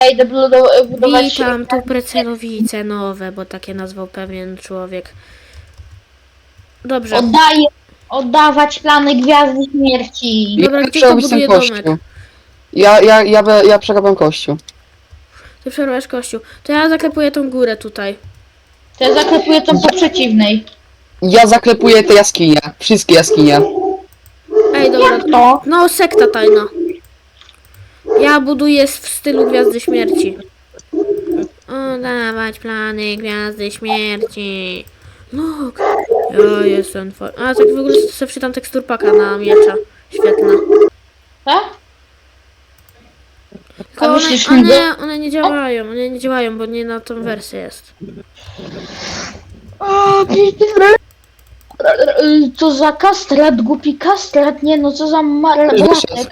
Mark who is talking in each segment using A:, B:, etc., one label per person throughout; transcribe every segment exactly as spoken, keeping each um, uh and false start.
A: Ja idę budow- budować...
B: Witam, tu Precelowice nowe, bo takie nazwał pewien człowiek. Dobrze.
A: Oddaję, oddawać plany Gwiazdy Śmierci.
B: Dobra,
C: Ja
B: gdzie
C: chcę
B: to
C: robić ten
B: buduje
C: kościół.
B: domek?
C: Ja, ja, ja, be- ja przerabiam kościół.
B: Ty przerwasz kościół. To ja zaklepuję tą górę tutaj.
A: To ja zaklepuję tą po przeciwnej.
C: Ja zaklepuję te jaskinie. Wszystkie jaskinie.
B: Ej, dobra.
A: To?
B: No, sekta tajna. Ja buduję w stylu Gwiazdy Śmierci. Oddawać plany Gwiazdy Śmierci. No, ja jestem twój. A, tak w ogóle sobie wczytam tekstur paka na miecza. Świetna.
A: Tak?
B: Tylko
A: A
B: one,
A: myślisz,
B: one,
A: że-
B: one nie działają, one nie działają, bo nie na tą wersję jest.
A: O, co za kastrat, głupi kastrat, nie no, co za marlatek.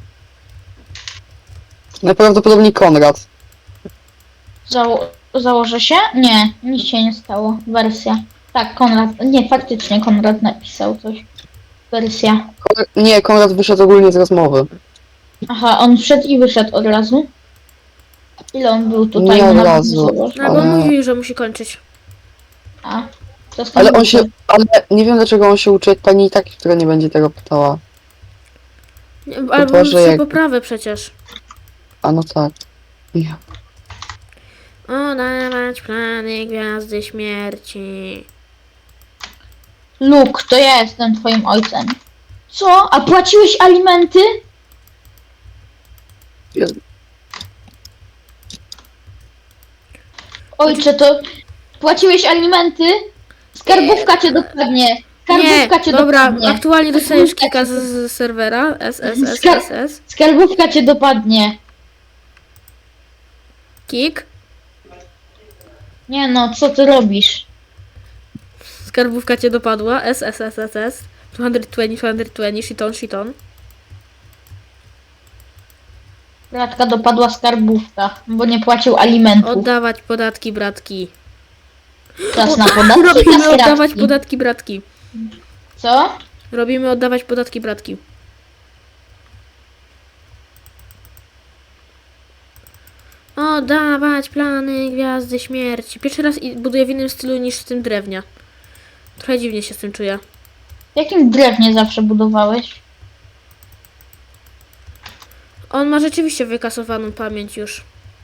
C: Najprawdopodobniej Konrad.
A: Zało założę się? Nie, nic się nie stało. Wersja. Tak, Konrad, nie, faktycznie Konrad napisał coś. Wersja.
C: Konrad nie, Konrad wyszedł ogólnie z rozmowy.
A: Aha, on wszedł i wyszedł od razu. Ile on był tutaj?
C: Nie od
A: Nawet
C: razu.
A: zobacz.
B: No, bo
C: Ale-
B: mówił, że musi kończyć.
A: A, to z tym
C: Ale on
A: był
C: się,
A: to.
C: ale nie wiem dlaczego on się uczy jak pani i tak, która nie będzie tego pytała.
B: Nie, albo
C: Boże,
B: musi
C: jak-
B: poprawę przecież.
C: A no tak. Ja.
B: Oddawać plany Gwiazdy Śmierci.
A: Luke, to ja jestem twoim ojcem. Co? A płaciłeś alimenty?
C: Jezu.
A: Ojcze, to płaciłeś alimenty? Skarbówka cię dopadnie. Skarbówka
B: Nie,
A: cię
B: dobra,
A: dopadnie.
B: aktualnie dostajesz kika z, z serwera. S S S S S.
A: Skarbówka cię dopadnie.
B: Kik.
A: Nie no, co ty robisz?
B: Skarbówka cię dopadła. S S S S S. dwieście dwadzieścia, dwieście dwadzieścia, shiton, shiton.
A: Bratka dopadła skarbówka, bo nie płacił alimentów.
B: Oddawać podatki, bratki.
A: Czas na podatki,
B: Robimy
A: na
B: oddawać
A: skrawki.
B: podatki, bratki.
A: Co?
B: Robimy oddawać podatki, bratki. Oddawać plany Gwiazdy Śmierci. Pierwszy raz i- buduję w innym stylu niż w tym drewnia. Trochę dziwnie się z tym czuję.
A: W jakim drewnie zawsze budowałeś?
B: On ma rzeczywiście wykasowaną pamięć już.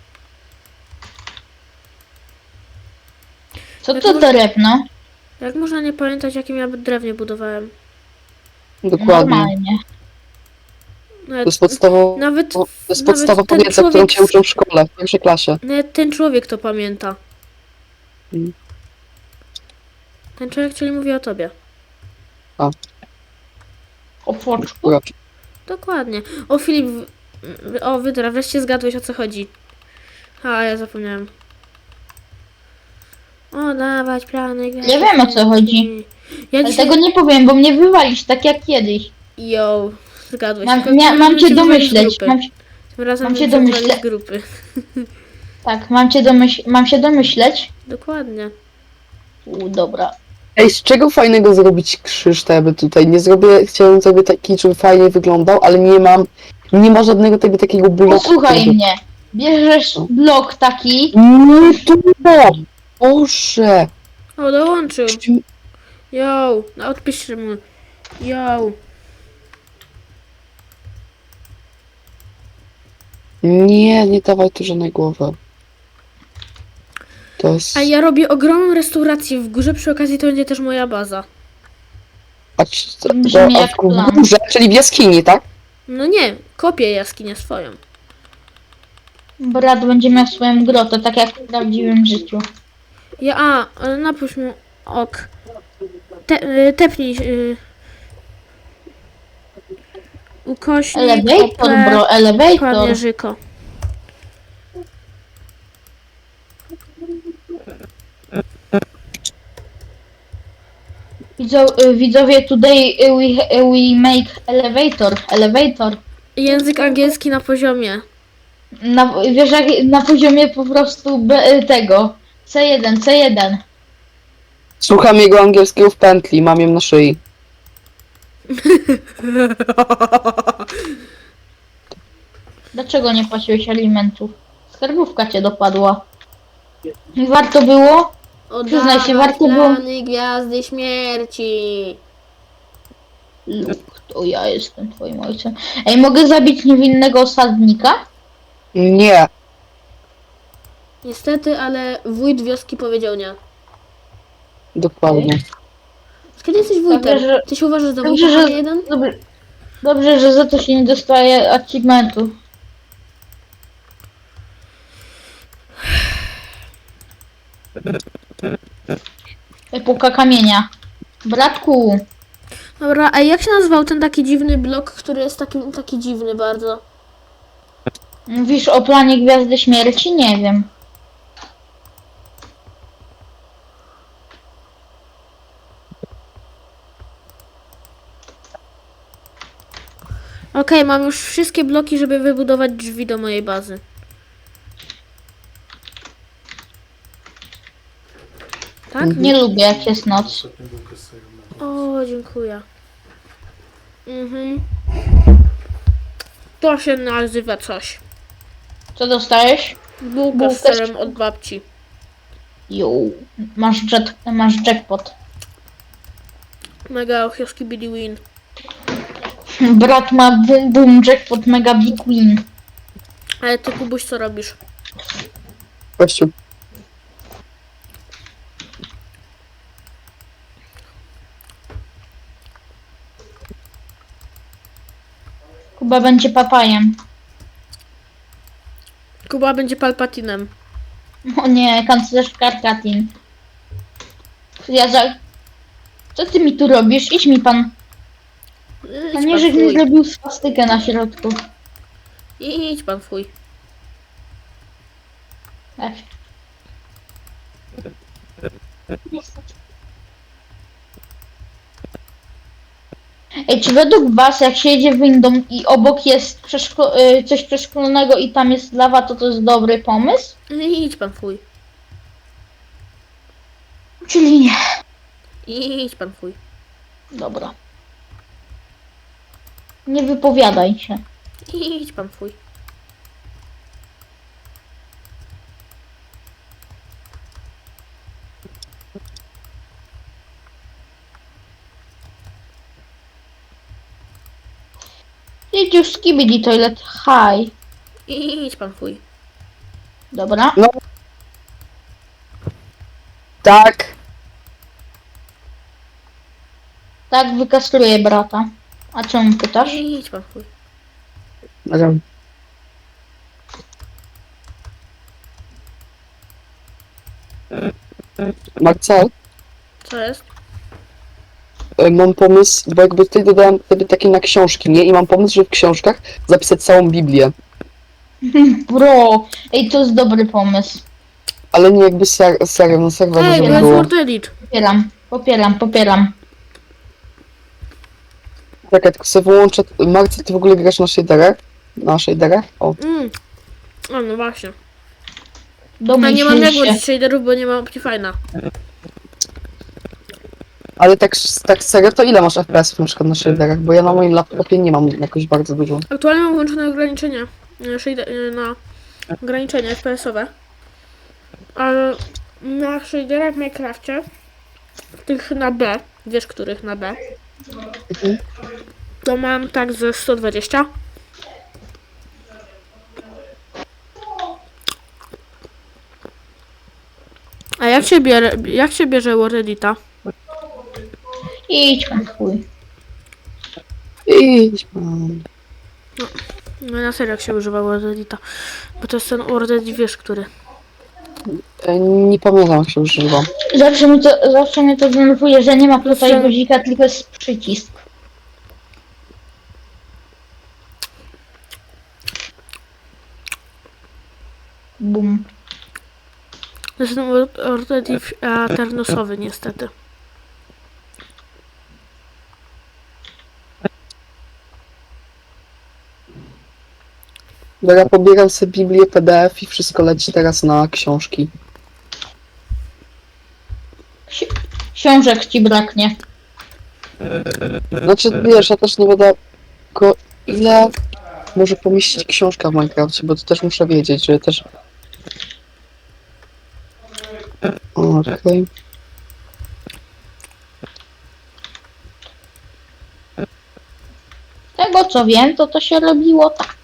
A: Co
B: Jak
A: to
B: mo-
A: drewno?
B: Jak można nie pamiętać, jakim ja drewnie budowałem?
C: Dokładnie.
A: Normalnie.
C: To
B: Nawet,
C: jest podstawowa,
B: nawet,
C: to jest
B: nawet
C: podstawowa
B: ten
C: wiedza, którą
B: człowiek,
C: cię uczą w szkole, w pierwszej klasie.
B: nawet ten człowiek to pamięta.
C: Mm.
B: Ten człowiek, czyli mówi o tobie.
A: O foczku.
C: Dobra.
B: Dokładnie. O Filip, w- o Wydra, wreszcie zgadłeś o co chodzi. A, ja zapomniałem. O, dawać plany.
A: Ja wiem, o co chodzi.
B: Ja
A: Ale
B: dzisiaj...
A: tego nie powiem, bo mnie wywalisz tak jak kiedyś.
B: Yo, zgadłeś.
A: Mam,
B: Tylko
A: mia,
B: tym
A: mam
B: razem
A: cię
B: cię wywali z
A: domyśleć.
B: grupy.
A: Mam,
B: Tym razem
A: mam cię
B: cię wywali
A: domyśle-
B: z grupy.
A: tak, mam cię domyśl, mam się domyśleć.
B: Dokładnie.
A: U, dobra.
C: Ej, z czego fajnego zrobić krzyż, to ja by tutaj nie zrobię, chciałem sobie taki, żeby fajnie wyglądał, ale nie mam, nie ma żadnego tego takiego bloku.
A: Posłuchaj
C: którego-
A: mnie. Bierzesz blok taki.
C: Nie to! Boże!
B: O, dołączył. Yo, no odpisz mu. Yo.
C: Nie, nie dawaj tu żadnej głowy. To jest...
B: A ja robię ogromną restaurację w górze, przy okazji to będzie też moja baza.
C: A, c- to,
A: Brzmi
C: a
A: jak plan.
C: w górze, czyli w jaskini, tak?
B: No nie, kopię jaskinię swoją.
A: Brat będzie miał swoją grotę, tak jak w prawdziwym życiu.
B: Ja, a, ale napuść mu ok. Te, y, tepnij. Y, ukośnik,
A: Elevator,
B: O P,
A: bro, elevator.
B: dokładnie żyko.
A: Widzo, y, widzowie, today y, we, y, we make elevator, elevator.
B: Język angielski na poziomie.
A: Na, wiesz, jak na poziomie po prostu B, y, tego. C jeden, C jeden.
C: Słucham jego angielskiego w pętli, mam ją na szyi.
A: Dlaczego nie płaciłeś alimentów? Skarbówka cię dopadła. I warto było? Przyznaj się,
B: Oddawać
A: warto było...
B: plany Gwiazdy Śmierci.
A: Luke, to ja jestem twoim ojcem. Ej, mogę zabić niewinnego osadnika?
C: Nie.
B: Niestety, ale wójt wioski powiedział nie.
C: Dokładnie.
B: Kiedy jesteś wójtem?
A: Dobrze, że-
B: Ty się uważasz za
A: Dobrze,
B: wójta, a
A: że...
B: nie jeden?
A: Dobrze, dobrze, że za to się nie dostaje achievementu. Epoka kamienia. Bratku,
B: Dobra, a jak się nazywał ten taki dziwny blok, który jest taki, taki dziwny bardzo?
A: mówisz o planie Gwiazdy Śmierci? Nie wiem.
B: Okej, mam już wszystkie bloki, żeby wybudować drzwi do mojej bazy. Tak?
A: Nie lubię jak jest noc.
B: O, dziękuję. Mhm. To się nazywa coś.
A: Co dostajesz?
B: Bułka
A: Bułkę
B: z
A: z-
B: serem od babci.
A: Jo, masz, jet, masz jackpot.
B: Mega ochioski Billy Win.
A: Brat ma boom boom jackpot mega big win.
B: Ale ty, Kubuś, co robisz?
C: Kościół.
A: Kuba będzie papajem.
B: Kuba będzie Palpatinem.
A: O nie, kanclerz Karkatin. Ja za... Co ty mi tu robisz? Idź mi pan.
B: Idź
A: Panie,
B: pan
A: żeś mi
B: fuj.
A: zrobił swastykę na środku.
B: Idź pan fuj.
A: Ech. Ej, czy według was, jak się jedzie windą i obok jest przeszko- y, coś przeszklonego i tam jest lawa, to to jest dobry pomysł?
B: Idź pan fuj.
A: Czyli nie.
B: Idź pan fuj.
A: Dobra. Nie wypowiadaj się.
B: Idź pan fuj.
A: Idź już skibidi toilet. Hi.
B: Idź pan fuj.
A: Dobra.
C: Tak.
A: Tak, wykastruję brata. A czemu pytasz?
B: Idź pan fuj.
C: Dobra. Marcel,
B: Co jest?
C: e, mam pomysł, bo jakby tutaj dodałem wtedy takie na książki, nie? I mam pomysł, że w książkach zapisać całą Biblię.
A: Bro. Ej, to jest dobry pomysł.
C: Ale nie jakby ser serio, na serwerze,
B: Ej, bo
C: żeby
B: jest
C: było.
B: Word Edit.
A: Popieram, popieram, popieram.
C: Czekaj, tylko sobie wyłączę. Marcel, ty w ogóle grasz na shaderach? Na shaderach? O.
B: Mm. A no właśnie. A
A: Domyśl
B: nie mam
A: się.
B: Network shaderów, bo nie mam Optifine'a.
C: Ale tak, tak serio, to ile masz F P S-ów na przykład na shaderach? Bo ja na moim laptopie nie mam jakoś bardzo dużo.
B: Aktualnie mam włączone ograniczenia e, shader- e, na ograniczenia F P S-owe. Ale na shaderach w Minecrafcie, tych na B, wiesz których na B,
C: Mhm.
B: to mam tak ze sto dwadzieścia. A jak się bierze, jak się bierze Word Edita?
A: Idź pan chuj.
C: Idź pan.
B: No na serio jak się używa Word Edita. Bo to jest ten Word Edit, wiesz który.
C: E, Nie pamiętam jak się używa.
A: Zawsze, mi to, zawsze mnie to denerwuje, że nie ma tutaj
B: Zawsze-
A: guzika, tylko jest przycisk. Bum.
B: To jest ten Word Word Edit e, ternosowy niestety.
C: Bo ja pobieram sobie Biblię, P D F i wszystko leci teraz na książki.
A: Ksi- książek ci braknie.
C: Znaczy, wiesz, ja też nie będę tylko ile może pomieścić książka w Minecrafcie, bo to też muszę wiedzieć, że też Okej.
A: Tego co wiem, to to się robiło tak.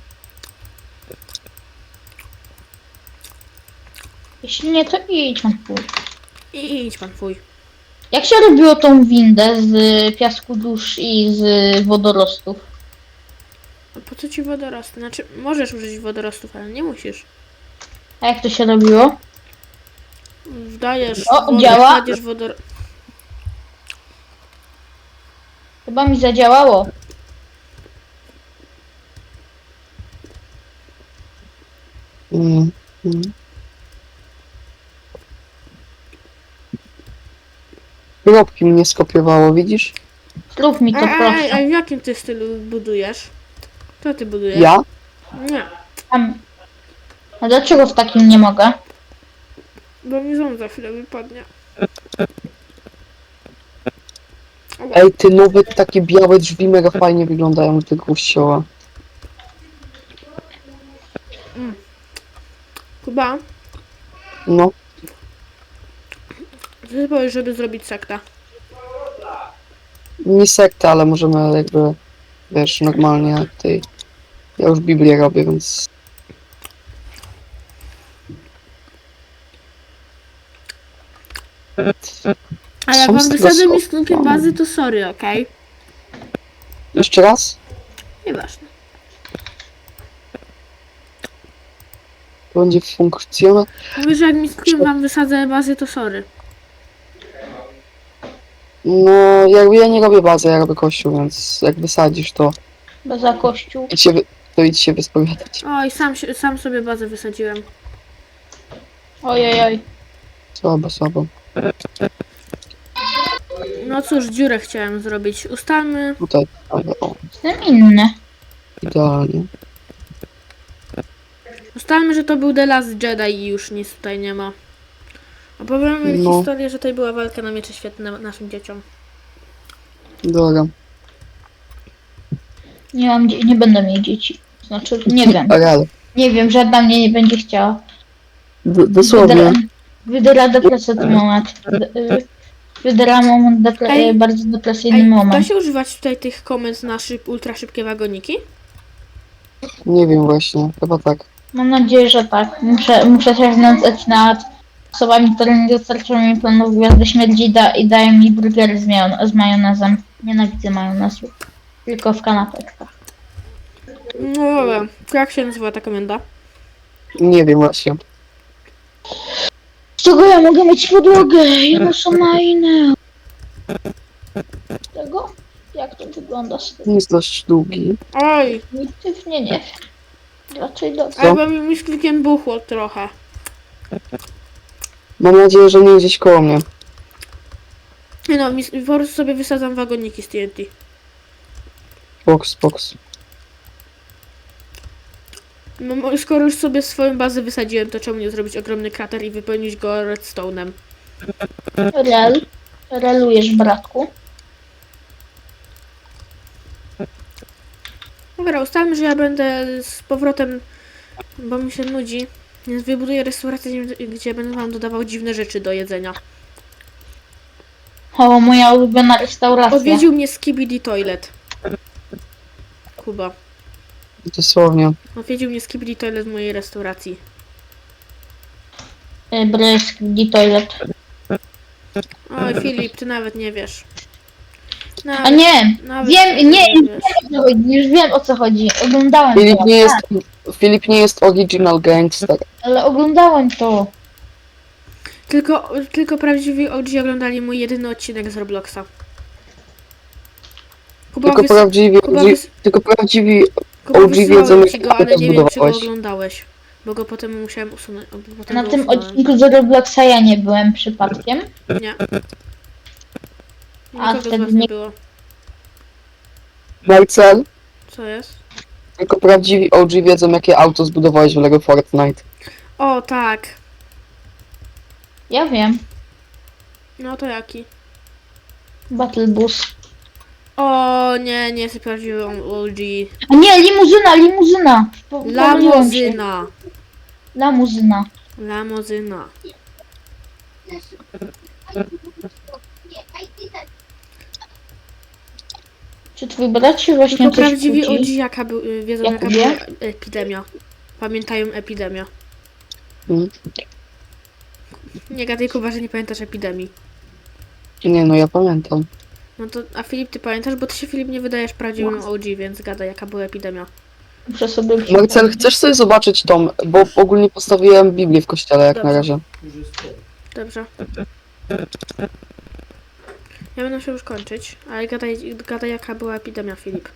A: Jeśli nie, to idź na pół.
B: I idź pan twój.
A: Jak się robiło tą windę z piasku dusz i z wodorostów?
B: A po co ci wodorosty? Znaczy, możesz użyć wodorostów, ale nie musisz.
A: A jak to się robiło?
B: Wdajesz
A: O,
B: wodę,
A: działa?
B: kładziesz wodor...
A: Chyba mi zadziałało.
C: Mm, mm. Kropki mnie skopiowało, widzisz?
A: Zrób mi to
B: Ej, ej,
A: proszę.
B: ej, w jakim ty stylu budujesz? Co ty budujesz?
C: Ja?
B: Nie,
A: Tam. A dlaczego w takim nie mogę?
B: bo mi ząb za chwilę wypadnie.
C: Ej, ty nowe takie białe drzwi mega fajnie wyglądają do tego kościoła.
B: Kuba,
C: No,
B: co ty powiesz, żeby zrobić sektę?
C: nie sekta, ale możemy jakby, wiesz, normalnie tej... Ja już Biblię robię, więc...
B: A jak
C: Są
B: wam
C: z tego
B: wysadzę
C: są-
B: mi sklepie bazy, to sorry, okej?
C: Jeszcze raz?
B: Nieważne.
C: To będzie funkcjonować.
B: Mówię, że jak mi sklepie wam wysadzę bazy, to sorry.
C: No, jakby ja nie robię bazy, ja robię kościół, więc jak wysadzisz, to
A: Bo za kościół.
C: idź się, wy- to idź się wyspowiadać.
B: Oj, sam, się- sam sobie bazę wysadziłem.
A: Ojej,
C: Słabo, słabo.
B: No cóż, dziurę chciałem zrobić. Ustalmy...
C: Tutaj, ale o,
A: jestem inny.
C: idealnie.
B: Ustalmy, że to był The Last Jedi i już nic tutaj nie ma. Opowiemy
C: No.
B: historię, że tutaj była walka na miecze świetne naszym dzieciom.
C: Dobra.
A: Nie mam, dzie- nie będę mieć dzieci. Znaczy, nie wiem.
C: Ale,
A: Nie wiem, żadna mnie nie będzie chciała.
C: d- dosłownie.
A: Wydyra depresyjny moment. Wy- Wydyra moment, depre-
B: Ej.
A: bardzo depresyjny
B: Ej, da
A: moment.
B: się używać tutaj tych komend na szyb, ultra szybkie wagoniki?
C: Nie wiem właśnie, chyba tak.
A: Mam nadzieję, że tak. Muszę, muszę się znęcać nad osobami, które nie dostarczają mi planów gwiazdy śmierci i, da, i dają mi burgery z, majon- z majonezem. Nienawidzę majonezu. Tylko w kanapeczkach.
B: No dobra, to jak się nazywa ta komenda?
C: Nie wiem właśnie.
A: Z czego ja mogę mieć podłogę? Jedno są na inne. Tego? Jak to wygląda z tym?
C: Jest dość długi.
B: Oj,
A: Definitywnie nie wiem. Raczej dobrze.
C: Co?
B: albo mi, mi z klikiem buchło trochę.
C: Mam nadzieję, że nie gdzieś koło mnie.
B: Nie no, mi, po prostu sobie wysadzam wagoniki z T N T.
C: Box, box.
B: No, mo- skoro już sobie swoją bazę wysadziłem, to czemu nie zrobić ogromny krater i wypełnić go redstone'em?
A: Rel. Relujesz, bratku.
B: Dobra, ustalmy, że ja będę z powrotem, bo mi się nudzi, więc wybuduję restaurację, gdzie- gdzie będę wam dodawał dziwne rzeczy do jedzenia.
A: O, moja ulubiona restauracja.
B: Odwiedził mnie Skibidi Toilet. Kuba.
C: Dosłownie.
B: Odwiedził mnie Skibidi Toilet w mojej restauracji.
A: Y, Brysk, toilet.
B: Oj, Filip, ty nawet nie wiesz.
A: A
B: Nawet,
A: nie,
B: nawet
A: wiem,
B: ty
A: nie,
B: wiesz.
A: nie, już wiem o co chodzi. Oglądałem
C: Filip
A: to.
C: nie jest,
A: Tak,
C: Filip nie jest original gangster.
A: ale oglądałem to.
B: Tylko, tylko prawdziwi O G oglądali mój jedyny odcinek z Robloxa. Kuba,
C: Tylko
B: wys...
C: prawdziwi,
B: Kuba,
C: O G,
B: wys...
C: tylko prawdziwi
B: Kuba
C: O G wiedzą,
B: wysyłałem ci
C: jak
B: go, ale
C: auto
B: nie wiem, czy go
C: zbudowałeś.
B: oglądałeś. Bo go potem musiałem usunąć. bo Potem
A: Na
B: go
A: tym
B: usunąłem.
A: odcinku z Robloxa ja nie byłem przypadkiem.
B: Nie.
A: A
B: Nikogo z
A: wtedy
B: was nie
A: nie-
B: było.
C: Marcel,
B: Co jest?
C: tylko prawdziwi O G wiedzą, jakie auto zbudowałeś w Lego Fortnite.
B: O, tak.
A: Ja wiem.
B: No to jaki?
A: Battle Bus.
B: O, nie, nie jest prawdziwy O G.
A: A nie, limuzyna, limuzyna. Po- pomyliłem się.
B: Lamozyna.
A: Lamuzyna.
B: Lamozyna.
A: Czy twój brat się właśnie
B: Tylko
A: coś
B: prawdziwi O G
A: kłóci?
B: jaka był, y, wiedzą jaka
A: Jakubie?
B: była epidemia. Pamiętają epidemia.
C: Mm.
B: Nie gadaj, Kuba, że nie pamiętasz epidemii.
C: Nie no, ja pamiętam.
B: No to, a Filip, ty pamiętasz? Bo ty się, Filip, nie wydajesz prawdziwym O G, więc gadaj, jaka była epidemia.
A: Muszę sobie
C: Marcel,
A: przypomnieć.
C: chcesz sobie zobaczyć tą, bo ogólnie postawiłem Biblię w kościele jak na
B: Dobrze.
C: razie.
B: Dobrze. Ja będę się już kończyć, ale gadaj, gadaj jaka była epidemia, Filip.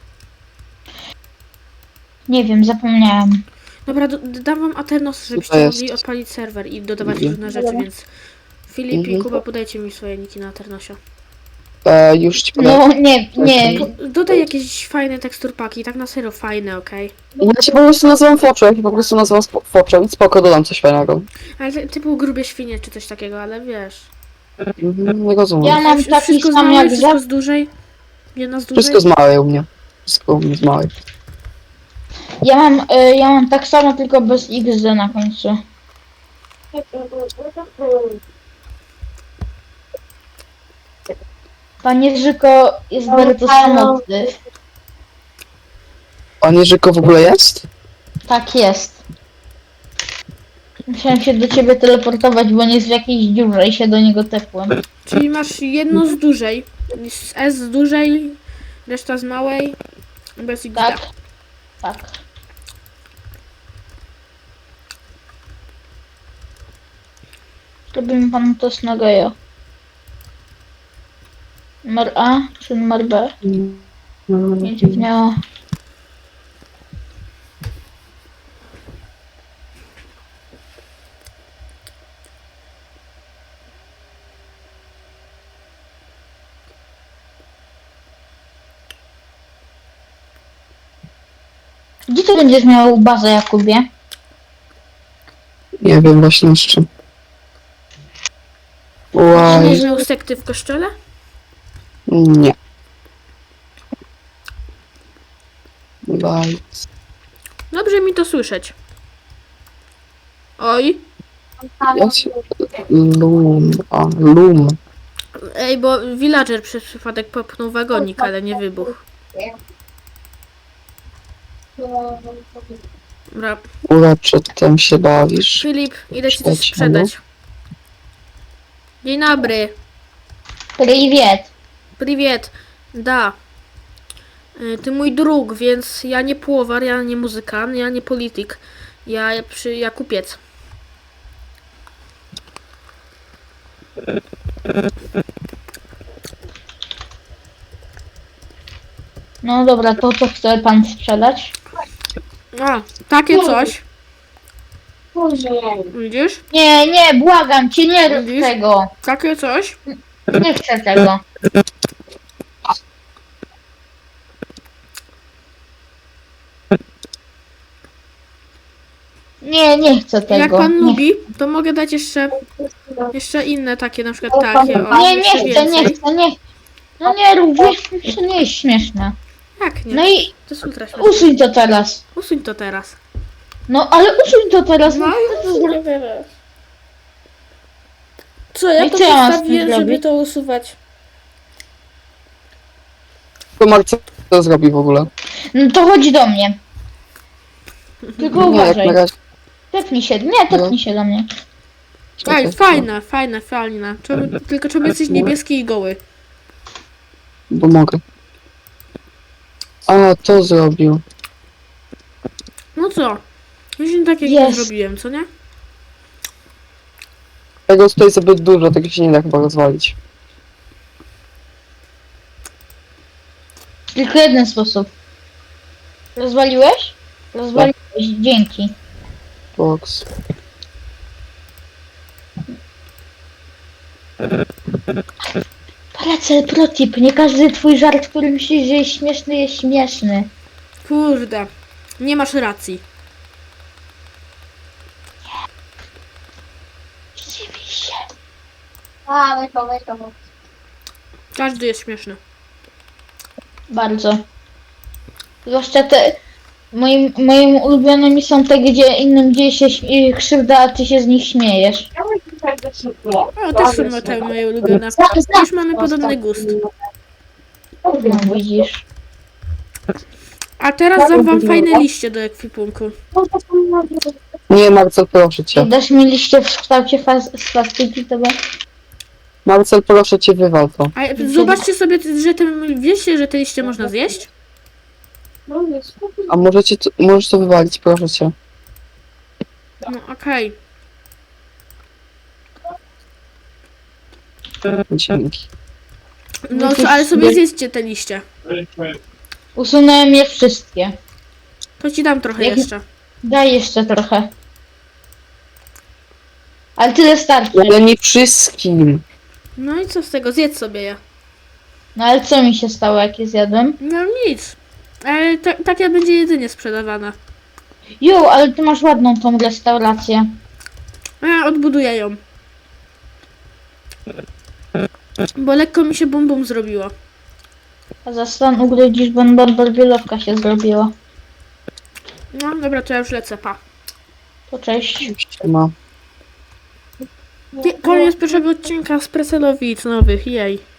A: Nie wiem, zapomniałem.
B: Dobra, do, dam wam Aternos, żebyście
C: to jest?
B: mogli odpalić serwer i dodawać
C: Mhm.
B: różne rzeczy, więc Filip i
C: Mhm.
B: Kuba, podajcie mi swoje niki na Aternosie.
C: E, już ci powiem.
A: No nie, nie.
B: Dodaj jakieś fajne teksturpaki, tak na serio fajne, okej?
C: Ja się po prostu nazywam Foczo, ja się po prostu nazywam Spo- Foczo i spoko, dodam coś fajnego.
B: Ale ty- typu grubie świnie czy coś takiego, ale wiesz.
C: Mhm, nie rozumiem.
A: Ja mam
B: Wsz-
A: taki
B: wszystko z
A: sam
B: małej,
A: jak
B: wszystko
A: za...
B: z dużej. Jedna z dużej.
C: Wszystko z małej u mnie. Wszystko u mnie z małej.
A: Ja mam, y, ja mam tak samo, tylko bez X D na końcu. Pan Jerzyko jest bardzo samotny.
C: Pan Jerzyko w ogóle jest?
A: Tak jest. Musiałem się do ciebie teleportować, bo nie jest w jakiejś dziurze i się do niego tepłem.
B: Czyli masz jedno z dużej, z S z dużej, reszta z małej, bez X D.
A: Tak? Tak. Zrobimy panu test na geja. Numer A czy numer B? Będzie miała. Gdzie ty będziesz miał bazę, Jakubie?
C: Nie wiem właśnie jeszcze.
B: Czy
C: Łaj.
B: nie miał sekty w kościele?
C: Nie. Łaj.
B: Dobrze mi to słyszeć. Oj,
C: Ja się... Lum. A, lum.
B: ej, bo villager przez przypadek popchnął wagonik, ale nie wybuchł. Dobra,
C: Uroczy, tym się bawisz.
B: Filip, idę ci coś
C: Sprzedać,
B: sprzedać. Dzień dobry.
A: Привет.
B: Привет. Da. Y, Ty mój drug, więc ja nie płowar, ja nie muzykant, ja nie polityk. Ja, przy, ja kupiec.
A: No dobra, to co chce pan sprzedać?
B: A, takie coś. Widzisz?
A: Nie, nie, błagam cię, nie rób
B: Widzisz?
A: tego.
B: Takie coś.
A: Nie chcę tego. Nie, nie chcę tego.
B: Jak pan
A: nie.
B: lubi, to mogę dać jeszcze jeszcze inne takie, na przykład takie. O,
A: Nie, nie
B: jeszcze
A: chcę, nie
B: więcej.
A: chcę, nie. No nie rób, wiesz, to nie jest śmieszne.
B: Jak nie?
A: No i
B: To jest ultra śmieszne.
A: usuń to teraz.
B: Usuń to teraz.
A: No ale usuń to teraz.
B: No
A: No,
B: i usuń teraz. Co, ja
A: No i
B: to
A: co ja mam z tym
B: postawiłem, żeby
A: zrobić?
B: to usuwać.
C: To Marcel co zrobi w ogóle?
A: no to chodź do mnie. Tylko
C: Nie, jak
A: uważaj.
C: na razie.
A: Tepnij się, nie, tepnij się do mnie.
B: Ej, fajne, fajne, fajne. Czemu, tylko czemu jesteś niebieski i goły?
C: Bo mogę. A, to zrobił.
B: No co? Już tak jak
A: Jest.
B: nie zrobiłem, co nie?
C: Tego tutaj zbyt dużo, tego się nie da chyba rozwalić.
A: Tylko jeden sposób. Rozwaliłeś? Rozwaliłeś, dzięki.
C: Box.
A: Paracel protip, nie każdy twój żart, który myślisz, że jest śmieszny, jest śmieszny.
B: Kurde. Nie masz racji.
A: Rzeczywiście.
D: A, weź to, weź to.
B: Każdy jest śmieszny.
A: Bardzo. Zwłaszcza te... Moim, moim ulubionymi są te, gdzie innym dzieje się śm- krzywda, a ty się z nich śmiejesz.
B: O, też są te moje ulubione. Już mamy podobny gust.
A: No widzisz.
B: A teraz dam wam fajne liście do ekwipunku.
C: Nie, Marcel, proszę
A: I
C: cię.
A: dasz mi liście w kształcie faz- swastyki, to będzie.
C: Marcel, proszę cię, wywal to.
B: A zobaczcie sobie, że te, wiecie, że te liście można zjeść?
C: A możecie to, możesz to wywalić, proszę cię.
B: No okej.
C: Dzięki.
B: No co, ale sobie zjedzcie te liście.
A: Usunąłem je wszystkie.
B: To ci dam trochę
A: Jak-
B: jeszcze.
A: Daj jeszcze trochę. Ale tyle starczy.
C: Ale nie wszystkim.
B: No i co z tego? Zjedz sobie je.
A: No ale co mi się stało, jak je zjadłem?
B: No nic. Ale ta, takie będzie jedynie sprzedawane.
A: Jo, ale ty masz ładną tą restaurację.
B: Ja odbuduję ją. Bo lekko mi się bum bum zrobiło.
A: A za stan ugrydzisz, bo barbarbielowka się zrobiła.
B: No dobra, to ja już lecę, pa.
A: To cześć.
C: Ma.
B: Koniec pierwszego odcinka z Preselowic nowych, jej.